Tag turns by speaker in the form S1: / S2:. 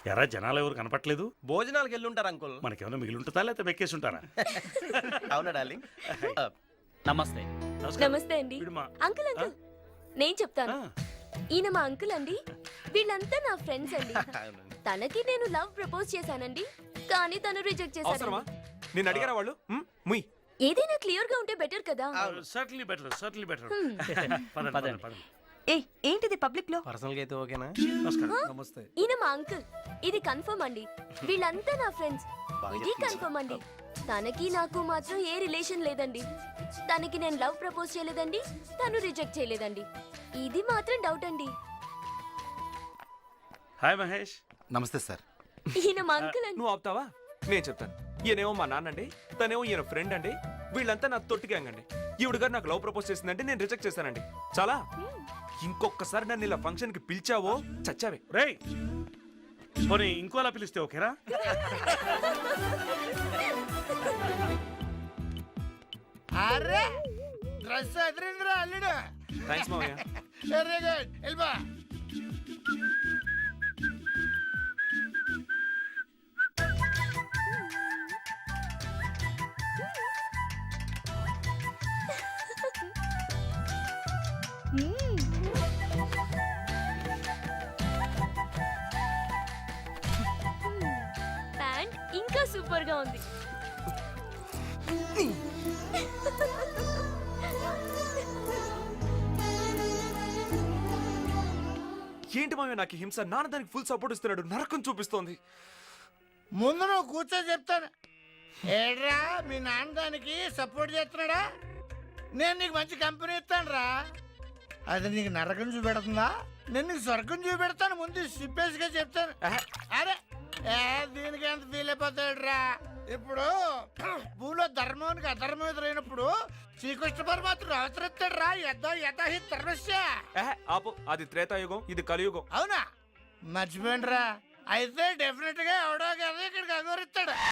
S1: ఎరా జనాలు ఎవరు కనపట్లేదు?
S2: భోజనాలకు వెళ్ళుంటారు అంకుల్.
S1: మనకేమైనా మిగిలి ఉంటుందా లేకపోతే వెక్కేసి ఉంటారా?
S2: అవునా డార్లింగ్?
S3: నమస్తే.
S4: నమస్తే అండి.
S1: వీడు మా-
S4: అంకుల్ అంకుల్ నేను చెప్తాను.
S1: ఆ,
S4: ఈయన మా అంకుల్ అండి. వీళ్ళంతా నా ఫ్రెండ్స్ అండి.
S2: అవునండి.
S4: తనకి నేను లవ్ ప్రపోజ్ చేశానండి, కానీ తను రిజెక్ట్
S5: అవసరమా?
S4: చేశాను.
S5: నేను అడిగారా వాళ్ళు? ముయ్.
S4: ఏదైనా క్లియర్ గా ఉంటే బెటర్ కదా.
S1: certainly better, certainly better. పదండి,
S3: పదండి.
S1: పదండి.
S6: ఏంటిది పబ్లిక్ లో?
S2: పర్సనల్ గా అయితే ఓకేనా?
S1: నమస్కారం.
S2: నమస్తే.
S4: ఈయన మా అంకుల్. ఇది కన్ఫర్మ్ అండి. వీళ్ళంతా నా ఫ్రెండ్స్. ఇది కన్ఫర్మ్ అండి. తనకి నాకు మాత్రం ఏ రిలేషన్ లేదండి. తనకి నేను లవ్ ప్రపోజ్ చేయలేదండి, తను రిజెక్ట్ చేయలేదండి. ఇది మాత్రం డౌట్ అండి.
S1: హాయ్ మహేష్.
S7: నమస్తే సార్.
S4: ఈయన మా అంకుల్ అండి.
S5: నువ్వు ఆపుతావా? నేను చెప్తాను. ఈయనేమో మా నాన్న అండి, తనేమో ఈయన ఫ్రెండ్ అండి. వీళ్ళంతా నా తొట్టి గ్యాంగ్ అండి. ఈవిడ గారు నాకు లవ్ ప్రపోజ్ చేసిందంటే నేను రిజెక్ట్ చేశానండి. చాలా. ఇంకొకసారి నన్ను ఇలా ఫంక్షన్ కి పిలిచావో చచ్చావే.
S1: రేయ్ పోనీ ఇంకోలా పిలిస్తే ఓకేరా?
S8: అరే డ్రెస్ అదిరిందిరా అల్లుడు.
S5: థ్యాంక్స్ మావయ్య.
S8: Very good. వెళ్ళిపో.
S4: ప్యాంట్ ఇంకా సూపర్ గా ఉంది.
S5: ఏంటి మావయ్య నాకు ఈ హింస? నాన్న దానికి ఫుల్ సపోర్ట్ ఇస్తున్నాడు, నరకం చూపిస్తోంది.
S8: ముందు నువ్వు కూర్చో చెప్తాను. ఏడ్రా మీ నాన్న దానికి సపోర్ట్ చేస్తున్నాడా? నేను నీకు మంచి కంపెనీ ఇస్తాను రా. అది నీకు నరకం చూపెడుతుందా? నేను నీకు స్వర్గం చూపెడతాను. ముందు సిప్పేసిగా చెప్తాను. అరే దీనికి ఎంత ఫీల్ అయిపోతాడు రా. ఇప్పుడు భూలో ధర్మానికి అధర్మం ఎదురైనప్పుడు శ్రీకృష్ణ పరమాత్ముడు అవతరిస్తాడు రా. యథాహి ధర్మస్య.
S5: ఆపు, అది త్రేతాయుగం, ఇది కలియుగం.
S8: అవునా? మర్చిపోయిండ్రా. అయితే డెఫినెట్ గా ఎవడో కదా ఇక్కడికి అగోరిస్తాడు.